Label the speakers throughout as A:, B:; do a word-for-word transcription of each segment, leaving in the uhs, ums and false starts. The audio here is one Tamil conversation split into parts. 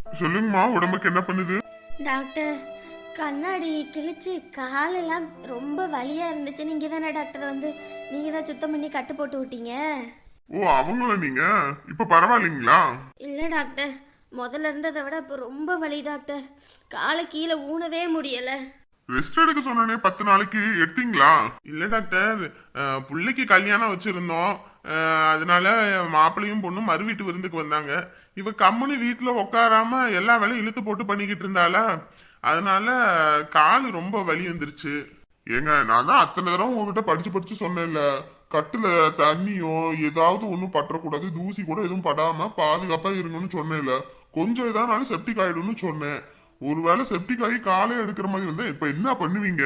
A: சொல்லுங்கம்மா, உடம்புக்கு என்ன பண்ணுது?
B: டாக்டர், கண்ணாடி கிழிச்சு காலெல்லாம் ரொம்ப வலியா இருந்துச்சு. நீங்க தானே டாக்டர் வந்து நீங்க தான் சுத்தம் பண்ணி கட்டு போட்டு விட்டீங்க.
A: ஓ, அவங்கள நீங்க இப்ப பரவாயில்லைங்களா?
B: இல்ல டாக்டர், முதல்ல இருந்ததை விட இப்ப ரொம்ப வலி டாக்டர். காலை கீழே ஊனவே முடியல.
A: ரெஸ்ட் எடுக்க சொன்னே, பத்து நாளைக்கு எடுத்தீங்களா? இல்ல டாக்டர், பிள்ளைக்கு கல்யாணம் வச்சிருந்தோம். அதனால மாப்பிள்ளையும் பொண்ணும் மறு வீட்டு விருந்துக்கு வந்தாங்க. இவ கம்முனு வீட்டுல உட்காராம எல்லா வேலையும் இழுத்து போட்டு பண்ணிக்கிட்டு இருந்தாளா, அதனால கால் ரொம்ப வலி வந்துருச்சு. ஏங்க, நான் தான் அத்தனை தடவை உங்ககிட்ட படிச்சு படிச்சு சொன்னேன்ல, கட்டுல தண்ணியோ ஏதாவது ஒண்ணும் பற்றக்கூடாது, தூசி கூட எதுவும் படாம பாதுகாப்பா இருங்கன்னு சொன்னேன்ல. கொஞ்சம் ஏதானாலும் செப்டிக் ஆயிடும்னு சொன்னேன். ஒருவேளை செப்டிக் ஆகி காலே எடுக்கிற மாதிரி வந்தா இப்ப என்ன பண்ணுவீங்க?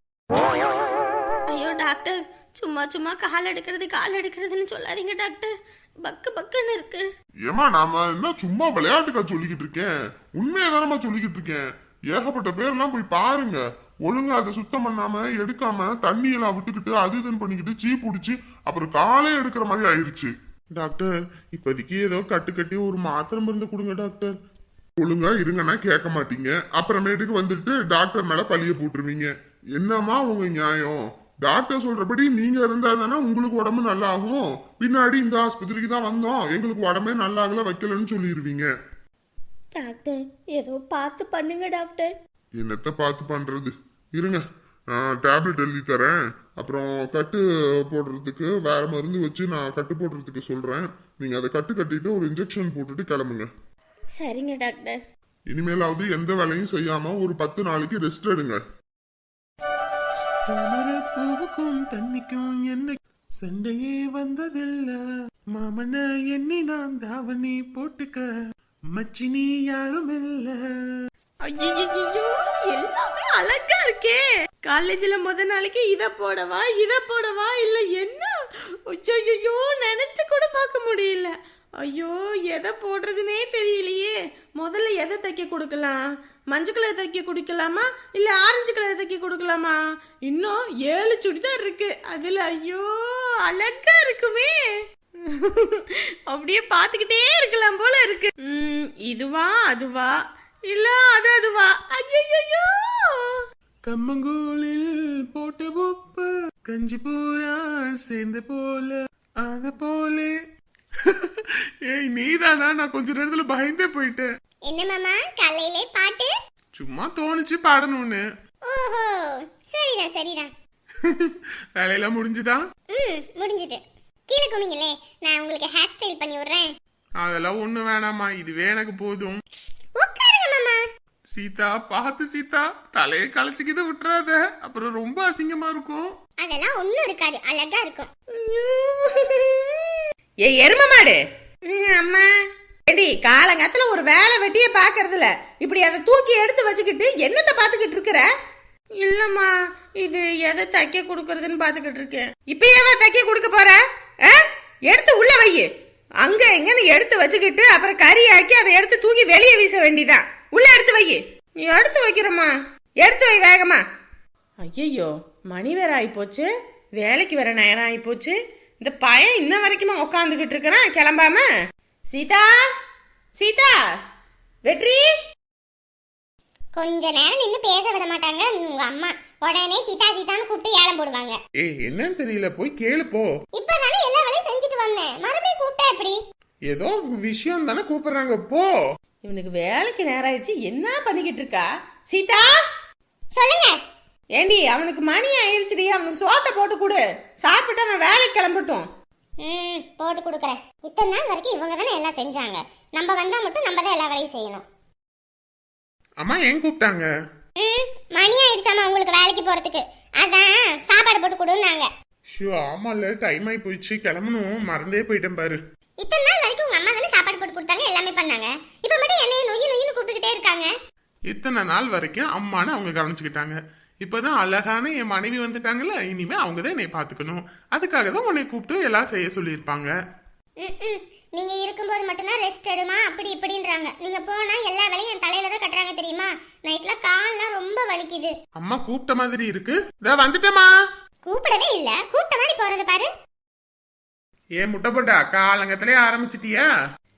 B: ஐயோ டாக்டர், சும்மா சும்மா கால் எடுக்கிறது கால் எடுக்கிறதுன்னு சொல்லாதீங்க டாக்டர். பக்கு பக்குன்னு இருக்கு.
A: ஏமா, நாம என்ன சும்மா விளையாட்டுக்கா சொல்லிக்கிட்டு இருக்கேன்? உண்மையை தானமா சொல்லிக்கிட்டு இருக்கேன். ஏகப்பட்ட பேர்லாம் போய் பாருங்க, ஒழுங்கா அதை சுத்தம் பண்ணாம எடுக்காம தண்ணி எல்லாம் விட்டுக்கிட்டு அது இதுன்னு பண்ணிக்கிட்டு சீ பிடிச்சி அப்புறம் காலே எடுக்கிற மாதிரி ஆயிடுச்சு. டாக்டர், இப்போதைக்கு ஏதோ கட்டு கட்டி ஒரு மாத்திரை மருந்து கொடுங்க டாக்டர். ஒழுங்கா இருங்கன்னா கேட்க மாட்டீங்க, அப்புறமேட்டுக்கு வந்துட்டு டாக்டர் மேல பழிய போட்டுருவீங்க. என்னமா உங்க நியாயம்? டாக்டர் சொல்றபடி நீங்க இருந்தா தானே உங்களுக்கு உடம்பு நல்லா ஆகும். பின்னாடி இந்த ஆஸ்பத்திரிக்கு தான் வந்தோம், எங்களுக்கு உடம்பே நல்லா ஆகல வைக்கலன்னு சொல்லிடுவீங்க.
B: டாக்டர், ஏதோ பார்த்து பண்ணுங்க டாக்டர்.
A: என்னத்த பார்த்து பண்றது? இருங்க, டேப்லெட் எழுதி தரேன். அப்புறம் கட்டு போடுறதுக்கு வேற மருந்து வச்சு நான் கட்டு போடுறதுக்கு சொல்றேன். நீங்க அதை கட்டு கட்டிட்டு ஒரு இன்ஜெக்ஷன் போட்டுட்டு கிளம்புங்க.
B: சரிங்க டாக்டர்.
A: இனிமேலாவது எந்த வேலையும் செய்யாம ஒரு பத்து நாளைக்கு ரெஸ்ட் எடுங்க.
C: பூவுக்கும் தண்ணிக்கும் என்ன சண்டையே வந்ததில்ல, மாமன எண்ணி நான் தாவணி போட்டுக்க மச்சினி யாரும் இல்ல.
B: ஐயோ, எல்லாமே அழகா இருக்கே. காலேஜ்ல முத நாளைக்கு இத போடவா இத போடவா இல்ல என்ன? ஐயோ, நினைச்சு கூட பார்க்க முடியல. ஐயோ, எதை போடுறதுனே தெரியலையே. முதல்ல எதை தைக்க கொடுக்கலாம்? மஞ்சள் கலர் தைக்க கொடுக்கலாமா இல்ல ஆரஞ்சு கலர் தைக்க கொடுக்கலாமா? இன்னும் ஏழு சுடிதார் இருக்கு அதுல. ஐயோ, அழகா இருக்குமே. அப்படியே பாத்துக்கிட்டே இருக்கலாம் போல இருக்கு. உம் இதுவா அதுவா இல்ல அது அதுவா? ஐயோ,
C: கம்மங்கூழில் போட்ட உப்பு கஞ்சி பூரா சேர்ந்த போல அத போலே. ஏய், நீதானா? நான் கொஞ்ச நேரத்துல பயந்தே போயிட்டேன்.
D: என்ன மாமா காலையிலே பாட்டு?
C: சும்மா தோணுச்சு பாடணும்னு.
D: ஓஹோ, சரிடா சரிடா.
C: வேலையெல்லாம் முடிஞ்சுதா?
D: ம், முடிஞ்சது. கீழே குமிங்களே, நான் உங்களுக்கு ஹேர் ஸ்டைல் பண்ணி விடுறேன்.
C: அதெல்லாம் ஒண்ணு வேணாமா, இதுவே எனக்கு போதும்.
D: உட்காருங்க மாமா.
C: சீதா, பார்த்து சீதா, தலையை களைச்சிக்கிது விட்டுறாத, அப்புறம் ரொம்ப அசிங்கமா இருக்கும்.
D: அதெல்லாம் ஒண்ணும் இருக்காது, அழகா இருக்கும்.
B: ஏ எரும மாடு, அம்மா எடி காலங்கத்துல ஒரு வேலை வெட்டிய பாக்குறதுல இப்படி அதை தூக்கி எடுத்து வச்சுக்கிட்டு என்னத்த பாத்துக்கிட்டு இருக்கிற? இல்லம்மா, இது எதை தைக்க கொடுக்கறதுன்னு பாத்துக்கிட்டு இருக்கேன். இப்பயேவா தைக்க கொடுக்க போற? எடுத்து உள்ள வை. அங்க எங்கன்னு எடுத்து வச்சுக்கிட்டு அப்புறம் கறி ஆக்கி அதை எடுத்து தூக்கி வெளியே வீச வேண்டிதான். உள்ள எடுத்து வை. எடுத்து வைக்கிறம்மா, எடுத்து வை வேகமா. ஐயோ, மணி வேற ஆயிப்போச்சு, வேலைக்கு வேற நேரம் ஆயிப்போச்சு. இந்த பையன் இன்ன வரைக்குமா உட்காந்துக்கிட்டு இருக்கிறான் கிளம்பாம? சீதா, சீதா, வெற்றி.
D: கொஞ்ச நேரம் நின்னு பேச விட மாட்டாங்க உங்க அம்மா. உடனே சீதா சீதான்னு கூப்பிட்டு ஏலம் போடுவாங்க.
C: ஏய், என்னன்னு தெரியல, போய் கேளு போ.
D: இப்பதானே எல்லா வேலையும் செஞ்சுட்டு வந்தேன், மறுபடியும் கூப்பிட்டா எப்படி?
C: ஏதோ விஷயம் தானே கூப்பிடுறாங்க, போ.
B: இவனுக்கு வேலைக்கு நேரம் ஆயிடுச்சு, என்ன பண்ணிக்கிட்டு இருக்கா? சீதா,
D: சொல்லுங்க.
B: ஏண்டி, அவனுக்கு மணி ஆயிடுச்சுடி, அவனுக்கு சோத்தை போட்டு கொடு, சாப்பிட்டு அவன் வேலைக்கு கிளம்பட்டும்.
D: ம், போட்டு கொடுக்குறேன். இத்தனை நாள் வரைக்கும் இவங்க தானே எல்லாம் செஞ்சாங்க, நம்ம வந்தா மட்டும் நம்ம தான் எல்லா வேலையும் செய்யணும்.
C: அம்மா ஏன் கூப்பிட்டாங்க?
D: ம், மணி ஆயிடுச்சாமா உங்களுக்கு வேலைக்கு போறதுக்கு, அதான் சாப்பாடு போட்டு கொடுன்னாங்க.
C: ஷோ, ஆமால, டைம் ஆகி போயிடுச்சு, கிளம்பணும், மறந்தே போயிட்டேன் பாரு.
D: இத்தனை நாள் வரைக்கும் உங்க அம்மா தானே சாப்பாடு போட்டு கொடுத்தாங்க, எல்லாமே பண்ணாங்க. இப்ப மட்டும் என்னைய நொய்யு நொய்யுன்னு கூப்பிட்டுக்கிட்டே இருக்காங்க.
C: இத்தனை நாள் வரைக்கும் அம்மானு அவங்க கவனிச்சுக்கிட்டாங்க. இப்பதான் அழகான என் மனைவி வந்துட்டாங்கல்ல, இனிமே அவங்கதான் என்னை பாத்துக்கணும். அதுக்காக தான் உன்னை கூப்பிட்டு எல்லாம் செய்ய சொல்லியிருப்பாங்க.
D: நீங்க இருக்கும்போது மட்டும்தான் ரெஸ்ட் எடுமா அப்படி இப்படின்றாங்க. நீங்க போனா எல்லா வேலையும் என் தலையில தான் கட்டுறாங்க தெரியுமா? நைட்ல கால்லாம் ரொம்ப வலிக்குது.
C: அம்மா கூப்பிட்ட மாதிரி இருக்கு. இதோ வந்துட்டேமா.
D: கூப்பிடவே இல்ல, கூப்பிட்ட மாதிரி போறது பாரு.
C: ஏன் முட்டை போட்டா காலங்கத்திலே ஆரம்பிச்சிட்டியா?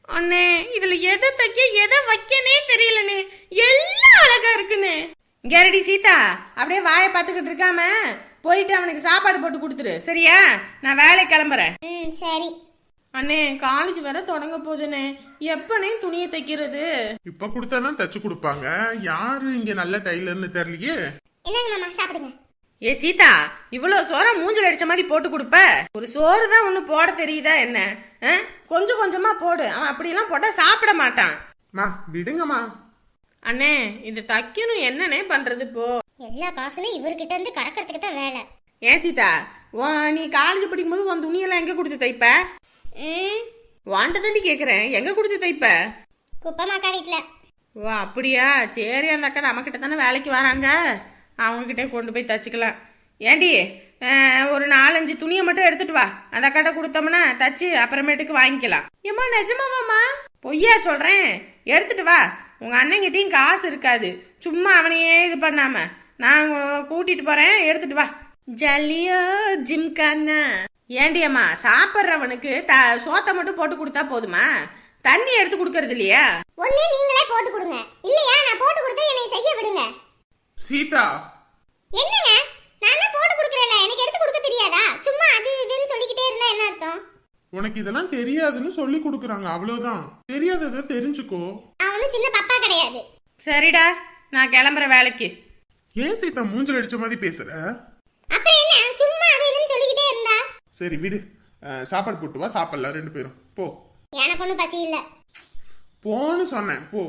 B: அண்ணே இதுல எதை தைக்க எதை வைக்கனே தெரியலண்ணே, எல்லாம் அழகா இருக்குண்ணே. கேரடி சீதா, அப்படியே வாயை பார்த்துக்கிட்டு இருக்காம போயிட்டு அவனுக்கு சாப்பாடு போட்டு கொடுத்துரு, சரியா? நான் வேலைக்கு கிளம்புறேன்.
D: ம் சரி.
B: அண்ணே காலேஜ் வர தொடங்க போகுதுண்ணே, எப்பனே துணியை தைக்கிறது?
C: இப்ப கொடுத்தாதான் தச்சு கொடுப்பாங்க. யாரு இங்க நல்ல டைலர்னு தெரியலையே.
D: என்னங்க மாமா சாப்பிடுங்க.
B: ஏ சீதா, இவ்வளவு சோற மூஞ்சில அடிச்ச மாதிரி போட்டு கொடுப்ப? ஒரு சோறு தான் ஒண்ணு போட தெரியுதா என்ன? ஆ? கொஞ்சம் கொஞ்சமா போடு, அவன் அப்படிலாம் போட்டா சாப்பிட மாட்டான்.
C: மா விடுங்கம்மா.
B: அண்ணே இது தைக்கணும், என்னண்ணே பண்றது இப்போ?
D: எல்லா காசுமே இவர்கிட்ட இருந்து கறக்கிறதுக்கு தான் வேலை.
B: ஏன் சீதா, உன் நீ காலேஜ் படிக்கும் போது உன் துணியெல்லாம் எங்க கொடுத்து தைப்ப?
D: ம்
B: வாண்ட தாண்டி கேக்குறேன், எங்க கொடுத்து தைப்ப?
D: குப்பமாக்கா வீட்டுல.
B: ஓ அப்படியா, சரி. அந்த அக்கா நம்ம கிட்ட தானே வேலைக்கு வராங்க, அவங்க கிட்டே கொண்டு போய் தச்சுக்கலாம். ஏண்டி ஒரு நாலஞ்சு துணியை மட்டும் எடுத்துட்டு வா, அந்த அக்காட்ட கொடுத்தோம்னா தச்சு அப்புறமேட்டுக்கு வாங்கிக்கலாம். ஏமா நிஜமாவாமா? பொய்யா சொல்றேன், எடுத்துட்டு வா. உங்க அண்ணங்கிட்டையும் காசு இருக்காது, சும்மா அவனையே இது பண்ணாம நான் கூட்டிட்டு போறேன், எடுத்துட்டு வா. ஜல்லியோ ஜிம்கானா. ஏண்டி அம்மா, சாப்பிட்றவனுக்கு த சோத்தை மட்டும் போட்டு கொடுத்தா போதுமா? தண்ணி எடுத்து கொடுக்கறது இல்லையா?
D: ஒண்ணே நீங்களே போட்டு கொடுங்க, இல்லையா நான் போட்டு கொடுத்தா என்னை செய்ய விடுங்க.
C: சீதா
D: என்னங்க, நான் தான் போட்டு கொடுக்குறேன்ல, எனக்கு எடுத்து கொடுக்க தெரியாதா? சும்மா அது இதுன்னு சொல்லிக்கிட்டே இருந்தா என்ன அர்த்தம்?
C: உனக்கு இதெல்லாம் தெரியாதுன்னு சொல்லி கொடுக்குறாங்க, அவ்வளவுதான். தெரியாததை தெரிஞ்சுக்கோ.
D: நான் ஒன்றும் சின்ன பப்பா கிடையாது.
B: சரிடா, நான் கிளம்புற வேலைக்கு.
C: ஏன் சீதா மூஞ்சல் அடிச்ச மாதிரி பேசுற?
D: அப்புறம் என்ன, சும்மா அது இதுன்னு சொல்லிக்கிட்டே இருந்தா?
C: சரி விடு, அஹ், சாப்பாடு போட்டு வா, சாப்பிடலாம் ரெண்டு பேரும். போ.
D: எனக்கு ஒன்றும் பசி இல்லை.
C: போன்னு சொன்னேன், போ.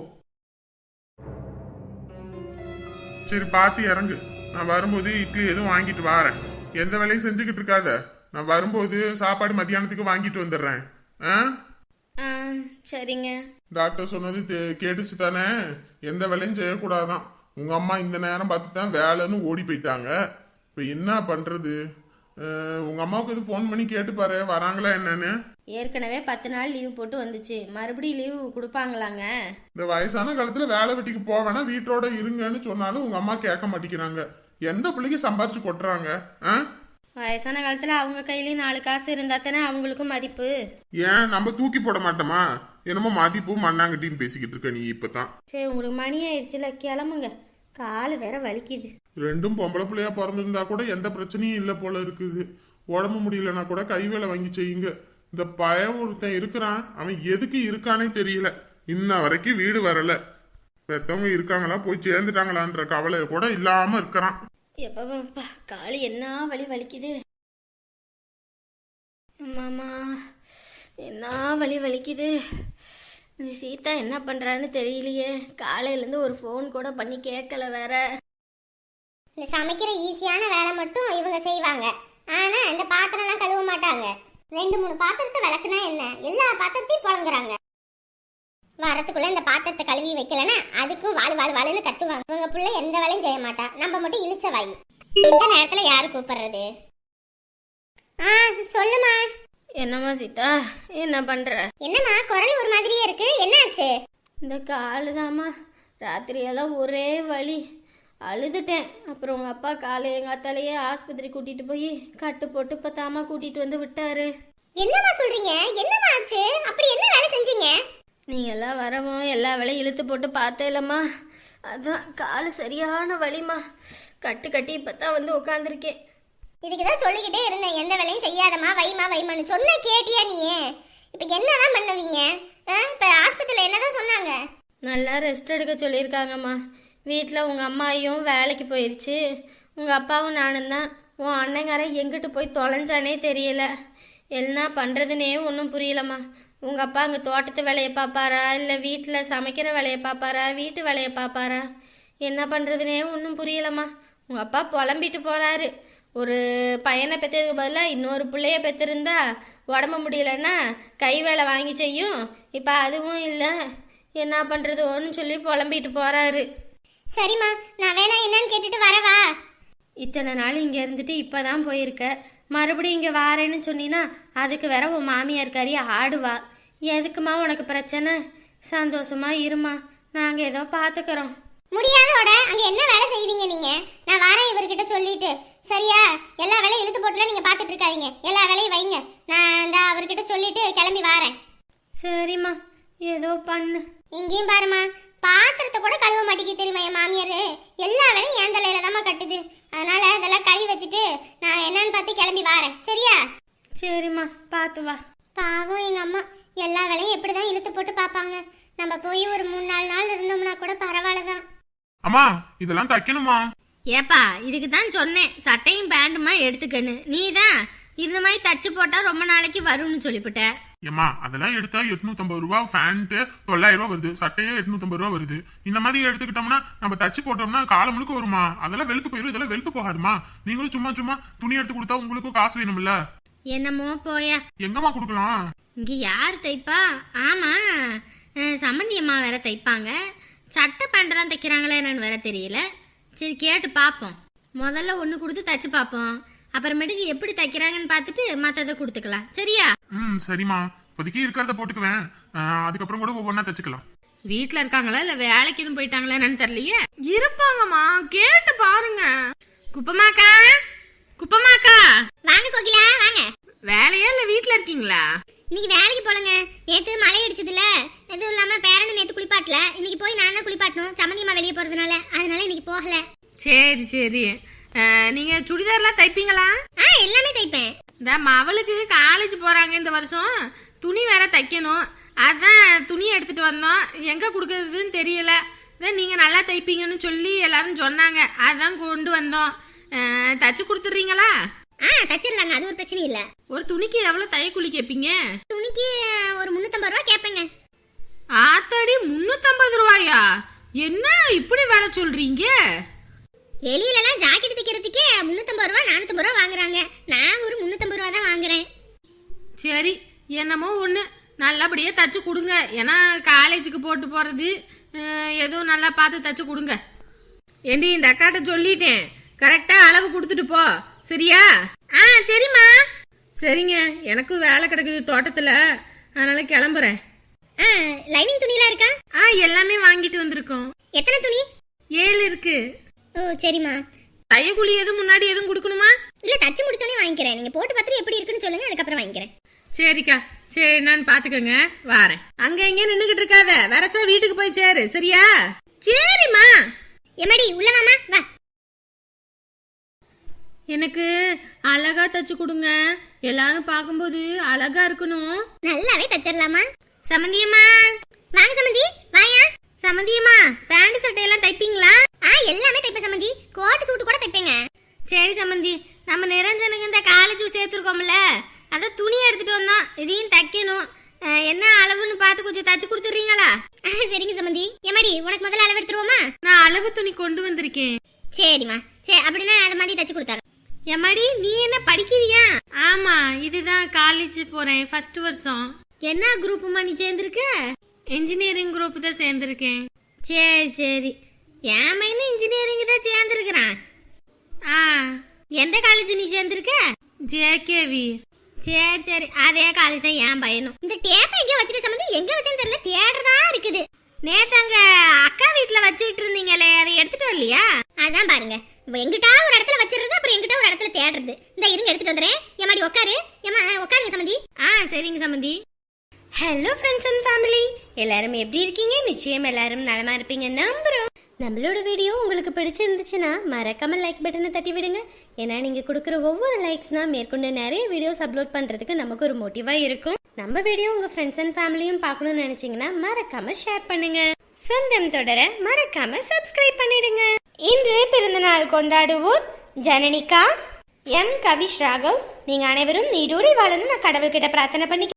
C: சரி பார்த்து இறங்கு, நான் வரும்போது இட்லி எதுவும் வாங்கிட்டு வரேன். எந்த வேலையும் செஞ்சுக்கிட்டு இருக்காத, நான் வரும்போது சாப்பாடு மத்தியானத்துக்கு வாங்கிட்டு வந்துடுறேன். ஆ
B: சரிங்க.
C: டாக்டர் சொன்னது தே- கேட்டுச்சு தானே? எந்த வேலையும் செய்யக்கூடாதான். உங்க அம்மா இந்த நேரம் பார்த்து தான் வேலைன்னு ஓடி போயிட்டாங்க. இப்போ என்ன பண்றது? அஹ், உங்க அம்மாவுக்கு இது ஃபோன் பண்ணி கேட்டு பாரு, வராங்களா என்னன்னு.
B: ஏற்கனவே பத்து நாள் லீவ் போட்டு வந்துச்சு, மறுபடியும் லீவ் கொடுப்பாங்களாங்க?
C: இந்த வயசான காலத்துல வேலை வெட்டிக்கு போவேனா வீட்டோட இருங்கன்னு சொன்னாலும் உங்க அம்மா கேட்க மாட்டேங்கிறாங்க. எந்த பிள்ளைக்கு சம்பாரிச்சு கொட்டுறாங்க? ஆ?
B: வயசான காலத்துல அவங்க கையிலயும் நாலு காசு இருந்தா தானே அவங்களுக்கும் மதிப்பு.
C: ஏன் நம்ம தூக்கி போட மாட்டோமா? என்னமோ மதிப்பு மண்ணாங்கட்டின்னு பேசிக்கிட்டு இருக்க நீ இப்பதான்.
B: சரி, உங்களுக்கு மணி ஆயிடுச்சுல, கிளம்புங்க, காலு வேற வலிக்குது.
C: ரெண்டும் பொம்பளை பிள்ளையா பிறந்திருந்தா கூட எந்த பிரச்சனையும் இல்ல போல இருக்குது. உடம்பு முடியலன்னா கூட கை வேலை வாங்கி செய்யுங்க. இந்த பயம் ஒருத்தன் இருக்கிறான், அவன் எதுக்கு இருக்கானே தெரியல. இன்ன வரைக்கும் வீடு வரல. பெத்தவங்க இருக்காங்களா, போய் சேர்ந்துட்டாங்களான்ற கவலை கூட இல்லாம இருக்கிறான்.
B: எப்பப்பா காலு என்ன வலி வலிக்குது. மாமா என்ன வலி வலிக்குது. இந்த சீதா என்ன பண்றான்னு தெரியலையே, காலையிலேருந்து ஒரு ஃபோன் கூட பண்ணி கேட்கல வேற.
D: இந்த சமைக்கிற ஈஸியான வேலை மட்டும் இவங்க செய்வாங்க, ஆனா இந்த பாத்திரம்லாம் கழுவ மாட்டாங்க. ரெண்டு மூணு பாத்திரத்தை விளக்குனா என்ன, எல்லா பாத்திரத்தையும் புழங்குறாங்க. வரத்துக்குள்ள இந்த பாத்திரத்தை கழுவி வைக்கலன்னா அதுக்கும் வாழ் வாழ் வாழ்னு கத்துவாங்க. இவங்க பிள்ளை எந்த வேலையும் செய்ய மாட்டா, நம்ம மட்டும் இழிச்ச வாய். இந்த நேரத்துல யாரு கூப்பிடுறது? ஆ சொல்லுமா.
B: என்னம்மா சீதா, என்ன பண்ற?
D: என்னம்மா குரல் ஒரு மாதிரியே இருக்கு, என்னாச்சு?
B: இந்த காலு தாம்மா, ராத்திரியெல்லாம் ஒரே வலி, அழுதுட்டேன். அப்புறம் உங்க அப்பா காலை எங்க அத்தாலேயே ஆஸ்பத்திரி கூட்டிட்டு போய் கட்டு போட்டு இப்போ தாமா கூட்டிட்டு வந்து விட்டாரு.
D: என்னம்மா சொல்றீங்க, என்னம்மா ஆச்சு? அப்படி என்ன வேலை செஞ்சீங்க?
B: நீங்க எல்லாம் வரவும் எல்லா வேலையும் இழுத்து போட்டு பார்த்தேலம்மா, அதான் காலு சரியான வலிமா, கட்டு கட்டி இப்பதான் வந்து உட்காந்துருக்கேன்.
D: இதுக்குதான் சொல்லிக்கிட்டே இருந்தேன், எந்த வேலையும் செய்யாதம்மா, வைமா வைமான்னு சொன்ன கேட்டியா நீ? இப்ப என்னதான் பண்ணுவீங்க? இப்ப ஆஸ்பத்திரியில என்னதான் சொன்னாங்க?
B: நல்லா ரெஸ்ட் எடுக்க சொல்லியிருக்காங்கம்மா. வீட்டில் உங்கள் அம்மாயும் வேலைக்கு போயிடுச்சு, உங்கள் அப்பாவும் நானும் தான். உன் அண்ணங்காரன் எங்கிட்டு போய் தொலைஞ்சானே தெரியல, என்ன பண்ணுறதுனே ஒன்றும் புரியலம்மா. உங்கள் அப்பா அங்கே தோட்டத்து வேலையை பார்ப்பாரா, இல்லை வீட்டில் சமைக்கிற வேலையை பார்ப்பாரா, வீட்டு வேலையை பார்ப்பாரா, என்ன பண்ணுறதுனே ஒன்றும் புரியலம்மா. உங்கள் அப்பா புலம்பிட்டு போகிறாரு, ஒரு பையனை பெற்றதுக்கு பதிலாக இன்னொரு பிள்ளைய பெற்றிருந்தா உடம்பு முடியலன்னா கை வேலை வாங்கி செய்யும், இப்போ அதுவும் இல்லை, என்ன பண்ணுறது ஒன்று சொல்லி புலம்பிட்டு போகிறாரு.
D: சரிம்மா, நான் வேணா என்னன்னு கேட்டுட்டு வரவா?
B: இத்தனை நாள் இங்கே இருந்துட்டு இப்போ தான் போயிருக்க, மறுபடியும் இங்கே வாரேன்னு சொன்னீன்னா அதுக்கு வேற உன் மாமியார் கறி ஆடுவா. எதுக்குமா உனக்கு பிரச்சனை? சந்தோஷமா இருமா, நாங்கள் ஏதோ பார்த்துக்கிறோம்.
D: முடியாதோட அங்க என்ன வேலை செய்வீங்க நீங்க? நான் வரேன் இவர்கிட்ட சொல்லிட்டு, சரியா? எல்லா வேலையும் இழுத்து போட்டுல நீங்க பாத்துட்டு இருக்காதீங்க, எல்லா வேலையும் வைங்க. நான் இந்த அவர்கிட்ட சொல்லிட்டு கிளம்பி வரேன்.
B: சரிம்மா, ஏதோ பண்ணு.
D: இங்கேயும் பாருமா, பாத்திரத்தை கூட கழுவ மாட்டேங்கி தெரியுமா என் மாமியாரு. எல்லா வேலையும் என் தலையில தாம்மா கட்டுது. அதனால அதெல்லாம் கழுவி வச்சுட்டு நான் என்னன்னு பார்த்து கிளம்பி வாரேன், சரியா?
B: சரிம்மா, பார்த்து வா.
D: பாவம் எங்க அம்மா எல்லா வேலையும் எப்படிதான் இழுத்து போட்டு பாப்பாங்க. நம்ம போய் ஒரு மூணு நாலு நாள் இருந்தோம்னா கூட பரவாயில்லதான்.
C: அம்மா இதெல்லாம் தைக்கணுமா?
B: ஏப்பா, இதுக்கு தான் சொன்னேன் சட்டையும் பேண்டுமா எடுத்துக்கன்னு. நீ தான் இந்த மாதிரி தச்சு போட்டா ரொம்ப நாளைக்கு வரும்னு சொல்லிவிட்ட.
C: ஏமா அதெல்லாம் எடுத்தா எட்நூத்தி ஐம்பது ரூபா, ஃபேண்ட் தொள்ளாயிரம் ரூபா வருது, சட்டையே எட்நூத்தி ஐம்பது ரூபா வருது. இந்த மாதிரி எடுத்துக்கிட்டோம்னா நம்ம தச்சு போட்டோம்னா காலம் முழுக்க வருமா? அதெல்லாம் வெளுத்து போயிடும். இதெல்லாம் வெளுத்து போகாதுமா. நீங்களும் சும்மா சும்மா துணி எடுத்து கொடுத்தா உங்களுக்கும் காசு வேணும்ல.
B: என்னமோ போயா.
C: எங்கம்மா கொடுக்கலாம்?
B: இங்க யார் தைப்பா? ஆமா, சம்மந்தி அம்மா வேற தைப்பாங்க. சட்டை பேண்டெல்லாம் தைக்கிறாங்களே என்னன்னு வேற தெரியல. சரி கேட்டு பார்ப்போம். முதல்ல ஒன்று கொடுத்து தச்சு பார்ப்போம். அப்புறமேட்டுக்கு எப்படி தைக்கிறாங்கன்னு பார்த்துட்டு மற்றதை கொடுத்துக்கலாம், சரியா?
C: ம் சரிம்மா, இப்போதைக்கு இருக்கிறத போட்டுக்குவேன். அதுக்கப்புறம் கூட ஒவ்வொன்றா தச்சுக்கலாம்.
B: வீட்டில் இருக்காங்களா இல்லை வேலைக்கு எதுவும் போயிட்டாங்களா என்னன்னு தெரியலையே. இருப்பாங்கம்மா, கேட்டு பாருங்க. குப்பமாக்கா, குப்பமாக்கா,
D: வாங்க கோகிலா வாங்க.
B: வேலையா இல்லை வீட்டில் இருக்கீங்களா?
D: இன்னைக்கு வேலைக்கு போலங்க. நேத்து மழை அடிச்சதுல எதுவும் இல்லாம பேரனை நேத்து குளிப்பாட்டல. இன்னைக்கு போய் நான் தான் குளிப்பாட்டணும், சம்மந்தியம்மா வெளியே போறதுனால. அதனால இன்னைக்கு போகல.
B: சரி சரி. நீங்க சுடிதார்லாம் தைப்பீங்களா?
D: ஆ எல்லாமே தைப்பேன்.
B: இந்த மவளுக்கு காலேஜ் போறாங்க இந்த வருஷம், துணி வேற தைக்கணும். அதான் துணி எடுத்துட்டு வந்தோம். எங்க கொடுக்கறதுன்னு தெரியல. நீங்க நல்லா தைப்பீங்கன்னு சொல்லி எல்லாரும் சொன்னாங்க, அதான் கொண்டு வந்தோம். தச்சு கொடுத்துறீங்களா?
D: ஆ தச்சிடலாங்க, அது ஒரு பிரச்சனை இல்ல.
B: ஒரு துணிக்கு எவ்வளவு தையக்கூலி கேட்பீங்க?
D: துணிக்கு ஒரு முன்னூத்தம்பது ரூபா கேட்பேங்க.
B: ஆத்தாடி, முன்னூத்தம்பது ரூபாயா? என்ன இப்படி வேலை சொல்றீங்க?
D: வெளியில எல்லாம் ஜாக்கெட் தைக்கிறதுக்கே முன்னூத்தம்பது ரூபா நானூத்தம்பது ரூபா வாங்குறாங்க. நான் ஒரு முன்னூத்தம்பது ரூபா தான் வாங்குறேன்.
B: சரி, என்னமோ ஒண்ணு நல்லபடியா தச்சு கொடுங்க. ஏன்னா காலேஜுக்கு போட்டு போறது, எதுவும் நல்லா பார்த்து தச்சு கொடுங்க. ஏண்டி, இந்த அக்காட்ட சொல்லிட்டேன், கரெக்டா அளவு கொடுத்துட்டு போ, சரியா? ஆ சரிம்மா. சரிங்க, எனக்கும் வேலை கிடக்குது தோட்டத்துல, அதனால கிளம்புறேன்.
D: ஆ லைனிங் துணிலாம் இருக்கா?
B: ஆ எல்லாமே வாங்கிட்டு வந்திருக்கோம்.
D: எத்தனை துணி?
B: ஏழு இருக்கு.
D: ஓ சரிம்மா.
B: தையக்கூலி எதுவும் முன்னாடி எதுவும் கொடுக்கணுமா?
D: இல்ல, தச்சு முடிச்சோடனே வாங்கிக்கிறேன். நீங்க போட்டு பார்த்துட்டு எப்படி இருக்குன்னு சொல்லுங்க, அதுக்கப்புறம் வாங்கிக்கிறேன்.
B: சரிக்கா, சரி நான் பாத்துக்கங்க, வாரேன். அங்க எங்க நின்னுகிட்டு இருக்காத, வரசா வீட்டுக்கு போய் சேரு, சரியா? சரிம்மா.
D: எம்மாடி உள்ள வாமா, வா.
B: எனக்கு அழகா தச்சு கொடுங்க, எல்லாரும் பார்க்கும்போது அழகா இருக்கணும்.
D: நல்லாவே தச்சிடலாமா?
B: சமந்தியம்மா,
D: வாங்க சமந்தி, வாயா.
B: சமந்தியம்மா, பேண்ட் சட்டையெல்லாம் தைப்பீங்களா?
D: ஆ எல்லாமே தைப்பேன் சமந்தி. கோட் சூட் கூட தைப்பேங்க.
B: சரி சமந்தி, நம்ம நிரஞ்சனுக்கு இந்த காலேஜ் சேர்த்துருக்கோம்ல, அதான் துணி எடுத்துட்டு வந்தோம், இதையும் தைக்கணும். என்ன அளவுன்னு பார்த்து கொஞ்சம் தச்சு கொடுத்துறீங்களா?
D: சரிங்க சமந்தி. எம்மாடி உனக்கு முதல்ல அளவு எடுத்துருவோமா?
B: நான் அளவு துணி கொண்டு வந்திருக்கேன்.
D: சரிம்மா, சரி அப்படின்னா அது மாதிரி தச்சு கொடுத்தாரு.
B: எம்மாடி, நீ என்ன படிக்கிறியா? ஆமா, இதுதான் காலேஜ் போறேன், ஃபர்ஸ்ட் வருஷம். என்ன குரூப்புமா நீ சேர்ந்திருக்க? இன்ஜினியரிங் குரூப் தான் சேர்ந்திருக்கேன். சரி சரி, என் மைனு இன்ஜினியரிங் தான் சேர்ந்திருக்கிறான். ஆ, எந்த காலேஜ் நீ சேர்ந்திருக்க? ஜேகேவி. சரி சரி, அதே காலேஜ் தான் என் பையனும்.
D: இந்த டேப் எங்க வச்சிருக்க சமந்தி? எங்க வச்சேன்னு தெரியல, தேடுறதா இருக்குது.
B: நேத்து அங்க அக்கா வீட்டுல வச்சுட்டு இருந்தீங்களே, அதை எடுத்துட்டு வரலையா?
D: அதான் பாருங்க, எங்கிட்டா ஒரு இடத்துல வச்சிருது, அப்புறம் எங்கிட்ட ஒரு இடத்துல தேடுறது. இந்த இருங்க எடுத்துட்டு வந்துறேன். எம்மாடி உட்காரு. ஏமா உட்காருங்க சமந்தி.
B: ஆ சரிங்க சமந்தி. ஹலோ ஃப்ரெண்ட்ஸ் அண்ட் ஃபேமிலி, எல்லாரும் எப்படி இருக்கீங்க? நிச்சயம் எல்லாரும் நலமா இருப்பீங்க நம்புறோம். நம்மளோட வீடியோ உங்களுக்கு பிடிச்சிருந்துச்சுன்னா மறக்காம லைக் பட்டனை தட்டி விடுங்க. ஏன்னா நீங்க கொடுக்குற ஒவ்வொரு லைக்ஸ் தான் மேற்கொண்டு நிறைய வீடியோஸ் அப்லோட் பண்றதுக்கு நமக்கு ஒரு மோட்டிவா இருக்கும். நம்ம வீடியோ உங்க ஃப்ரெண்ட்ஸ் அண்ட் ஃபேமிலியும் பார்க்கணும்னு நினைச்சீங்கன்னா மறக்காம ஷேர் பண்ணுங்க. சொந்தம் தொடர மறக்காம சப்ஸ்கிரைப் பண்ணிடுங்க. இன்று பிறந்தநாள் கொண்டாடுவோர் ஜனனிகா, எம் கவிஷ் ராகவ். நீங்க அனைவரும் நீடோடி வாழணும் நான் கடவுள்கிட்ட பிரார்த்தனை பண்ணி